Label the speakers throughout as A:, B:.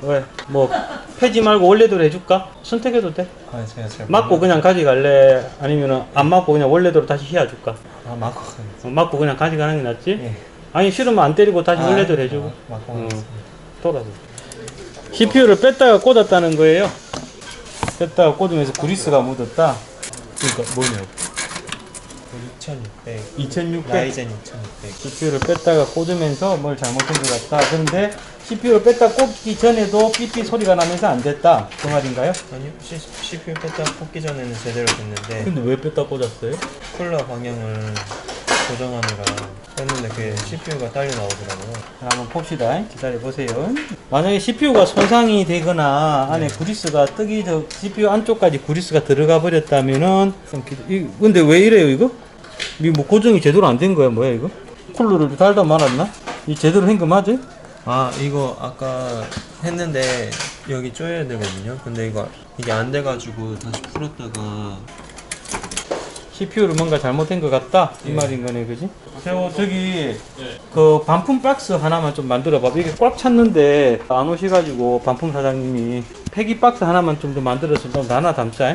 A: 왜? 뭐 펴지 말고 원래대로 해줄까? 선택해도 돼.
B: 아, 제가 잘
A: 맞고 그냥 가져갈래? 아니면 안 맞고 그냥 원래대로 다시 휘어줄까?
B: 아, 맞고
A: 맞고 그냥 가져가는 게 낫지?
B: 예.
A: 아니 싫으면 안 때리고 다시 원래대로 해주고.
B: 맞고
A: 어.
B: 하겠습니다.
A: 돌아서. CPU를 뺐다가 꽂았다는 거예요. 뺐다가 꽂으면서 그리스가 묻었다. 그러니까 뭐냐고.
B: 2600
A: 2600.
B: 라이젠 2600.
A: CPU를 뺐다가 꽂으면서 뭘 잘못한 것 같다. 그런데 CPU를 뺐다 꽂기 전에도 삐삐 소리가 나면서 안 됐다. 그 말인가요?
B: 아니요, CPU 뺐다 꽂기 전에는 제대로 됐는데
A: 근데 왜 뺐다 꽂았어요?
B: 쿨러 방향을 조정하느라 뺐는데 그게 CPU가 딸려 나오더라고요.
A: 자, 한번 봅시다. 기다려 보세요. 만약에 CPU가 손상이 되거나 안에 그리스가 뜨기 전 CPU 안쪽까지 그리스가 들어가 버렸다면은 근데 왜 이래요 이거? 이 뭐 고정이 제대로 안 된 거야 뭐야 이거? 쿨러를 달다 말았나? 이 제대로 한 거 맞아?
B: 아, 이거 아까 했는데 여기 조여야 되거든요. 근데 이게 안 돼가지고 다시 풀었다가
A: CPU를 뭔가 잘못된 것 같다 이 말인 거네, 그지? 저기 그 반품 박스 하나만 좀 만들어 봐. 이게 꽉 찼는데 안 오셔가지고 반품 사장님이 폐기 박스 하나만 좀 더 만들어서 좀 하나 담자.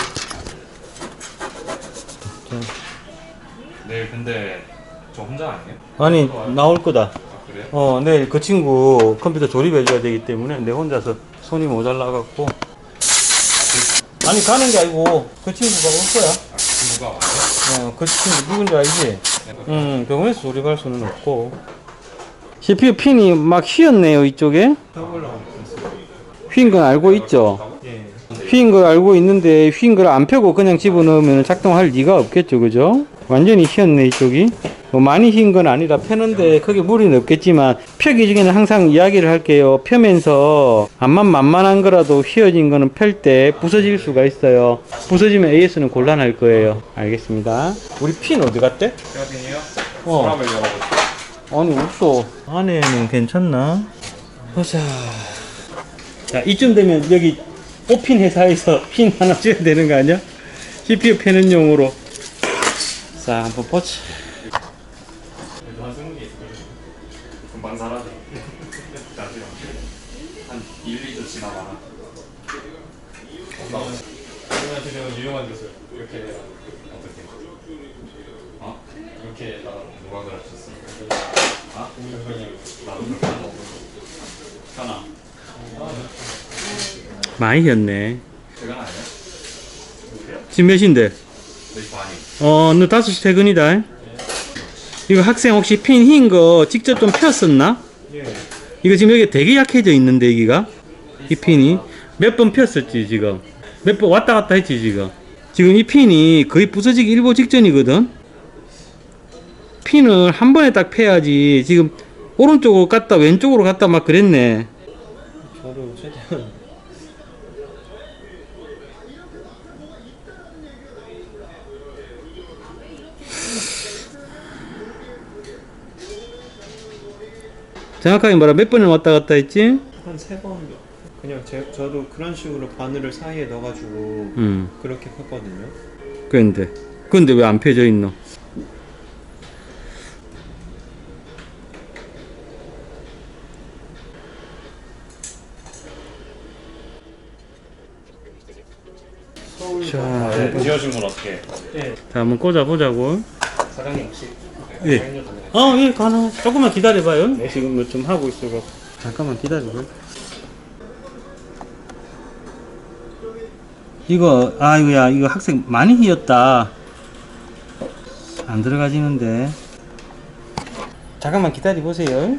C: 네, 근데 저 혼자 아니에요?
A: 아니 나올 거다.
C: 아, 그래요?
A: 내일 그 친구 컴퓨터 조립해줘야 되기 때문에 내 혼자서 손이 모자라갖고. 아니 가는 게 아니고 그 친구가 올 거야.
C: 아, 친구가 와요?
A: 그 친구 누군지 알지? 병원에서 조립할 수는 없고. CPU 핀이 막 휘었네요 이쪽에. 휜 건 알고 있죠?
B: 예.
A: 휜 걸 알고 있는데 휜 걸 안 펴고 그냥 집어넣으면 작동할 리가 없겠죠, 그죠? 완전히 휘었네 이쪽이. 뭐 많이 휜 건 아니라 펴는데 크게 무리는 없겠지만 펴기 중에는 항상 이야기를 할게요. 펴면서 암만 만만한 거라도 휘어진 거는 펼 때 부서질 수가 있어요. 부서지면 AS는 곤란할 거예요. 알겠습니다. 우리 핀 어디 갔대?
C: 세라핀이요?
A: 어.
C: 서랍을 열어보세요.
A: 아니 없어. 안에는 괜찮나? 보자. 자 이쯤 되면 여기 뽑힌 회사에서 핀 하나 줘야 되는 거 아니야? CPU 패는 용으로. 자 한번 보자.
C: 그래도 한 20개 있어요. 금방 사라져. 나중에 한 1, 2주 지나가나. 그러면 지금 유용한 기술 이렇게 어떻게? 어? 이렇게 누가 그랬었어? 아? 나도 그렇게 안 먹어. 현아.
A: 많이 휘었네.
C: 퇴근 아니야?
A: 지금 몇인데?
C: 내 반이.
A: 너 5시 퇴근이다. 이거 학생 혹시 핀 흰 거 직접 좀 폈었나?
B: 예.
A: 이거 지금 여기 되게 약해져 있는데 여기가 이 핀이 몇 번 폈었지 지금 몇 번 왔다 갔다 했지 지금 이 핀이 거의 부서지기 일보 직전이거든. 핀을 한 번에 딱 패야지. 지금 오른쪽으로 갔다 왼쪽으로 갔다 막 그랬네.
B: 저도 최대한
A: 정확하게 말하면 몇 번을 왔다 갔다 했지?
B: 한 3번 그냥 저도 그런 식으로 바늘을 사이에 넣어가지고 그렇게 폈거든요.
A: 근데 왜 안 펴져 있노? 자,
C: 네, 지어준 건 어떻게 해?
B: 예.
A: 자 한번 꽂아보자고.
C: 사장님 혹시
A: 예. 예, 가능. 조금만 기다려봐요. 지금 뭐 좀 하고 있어서. 잠깐만 기다려봐요. 이거 학생 많이 휘었다. 안 들어가지는데. 잠깐만 기다려보세요.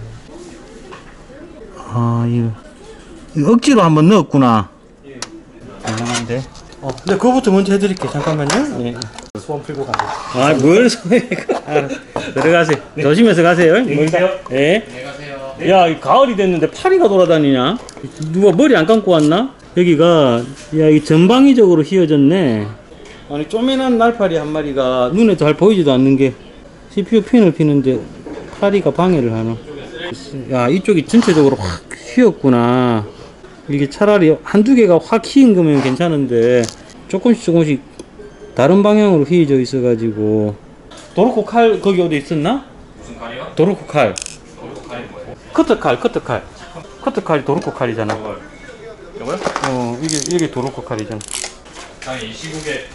A: 이거 억지로 한번 넣었구나.
B: 예.
A: 이상한데. 근데 그거부터 먼저 해드릴게요. 잠깐만요. 예.
C: 소원 풀고 가세요.
A: 뭘 소해. 들어가세요. 조심해서 가세요.
C: 계세요.
A: 예.
C: 네, 가세요.
A: 야, 이 가을이 됐는데 파리가 돌아다니냐? 누가 머리 안 감고 왔나? 여기가, 야, 이 전방위적으로 휘어졌네. 아니, 쪼매난 날파리 한 마리가 눈에 잘 보이지도 않는 게 CPU 핀을 피는데 파리가 방해를 하나? 야, 이쪽이 전체적으로 확 휘었구나. 이게 차라리 한두 개가 확 휘인 거면 괜찮은데 조금씩 다른 방향으로 휘어져 있어가지고. 도로코 칼 거기 어디 있었나?
C: 무슨 칼이요?
A: 도로코 칼.
C: 어느 칼이 뭐예요?
A: 커터칼. 커트 칼이 도르코 칼이잖아.
C: 이거요?
A: 이게 도르코 칼이잖아.
C: 아니 이 시국에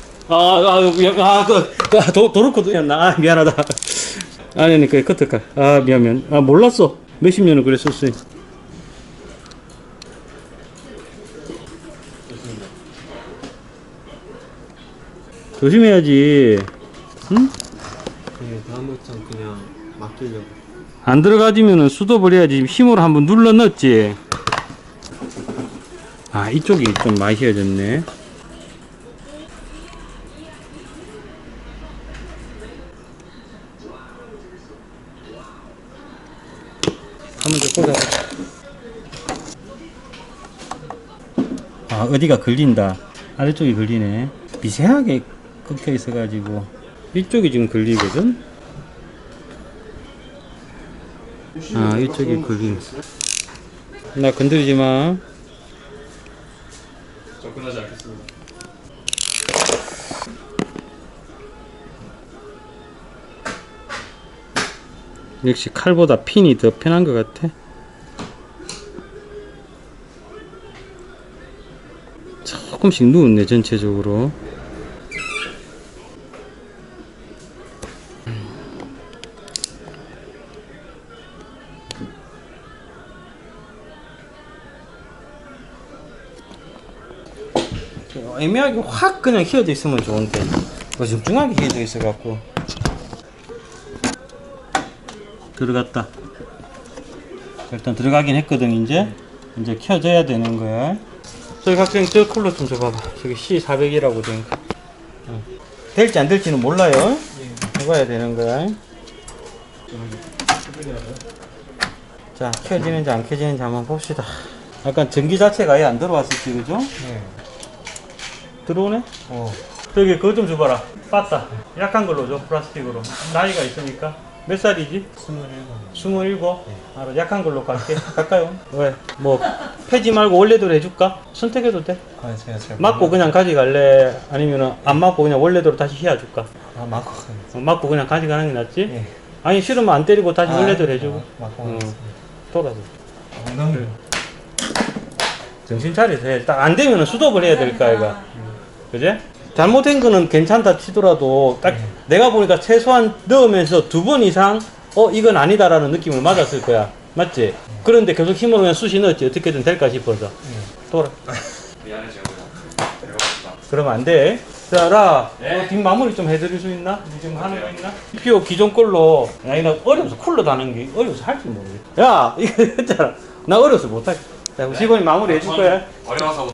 A: 도르코도였나? 미안하다. 아니, 그 커트 칼. 미안. 몰랐어. 몇십 년을 그랬었어. 조심해야지. 응?
B: 네, 다음부터 그냥 맡기려고.
A: 안 들어가지면은 수도를 해야지. 힘으로 한번 눌러 넣었지. 이쪽이 좀 많이 휘어졌네. 한번 더 꽂아. 어디가 걸린다. 아래쪽이 걸리네. 미세하게 꺾여 있어가지고 이쪽이 지금 걸리거든. 이쪽이 걸리네. 나 건드리지 마.
C: 접근하지 않겠습니다.
A: 역시 칼보다 핀이 더 편한 것 같아. 조금씩 누웠네 전체적으로. 애매하게 확 그냥 휘어져 있으면 좋은데 어중중하게 휘어져 있어 갖고. 들어갔다. 일단 들어가긴 했거든. 이제 켜져야 되는 거야. 저기 학생 저 쿨러 좀 줘봐봐. 저기 C400이라고 된 거. 될지 안 될지는 몰라요. 해봐야 되는 거야. 자, 켜지는지 안 켜지는지 한번 봅시다. 약간 전기 자체가 아예 안 들어왔을지, 그죠?
B: 네.
A: 들어오네? 저기 그거 좀 줘봐라. 빠따. 약한 걸로 줘. 플라스틱으로. 나이가 있으니까. 몇 살이지? 27. 알아. 약한 걸로 갈게. 갈까요? 왜? 뭐 폐지 말고 원래대로 해줄까? 선택해도 돼.
B: 제가 잘
A: 맞고 그냥 가져갈래? 아니면 안 맞고 그냥 원래대로 다시 휘어줄까?
B: 맞고
A: 맞고 그냥 가져가는 게 낫지?
B: 예.
A: 아니 싫으면 안 때리고 다시 원래대로 해주고.
B: 맞고
A: 돌아서.
B: 엉덩이.
A: 정신 차려서 해. 딱 안 되면 수독을 해야 될 거 아이가. 그지? 잘못된 거는 괜찮다 치더라도 딱 내가 보니까 최소한 넣으면서 2번 이상 이건 아니다라는 느낌을 맞았을 거야. 맞지? 그런데 계속 힘으로 그냥 쑤시 넣었지. 어떻게든 될까 싶어서. 돌아.
C: 미안해 제가 내려갑시다.
A: 그러면 안 돼. 자, 라, 뒷 마무리 좀 해드릴 수 있나? 지금 하는 거 있나? PO 기존 걸로. 야, 이거 어려워서 쿨러 다는 게 어려워서 할 줄 모르겠다. 야, 이거 했잖아. 나 어려워서 못하겠다. 자, 직원이 마무리 해줄 거야.
C: 어려워서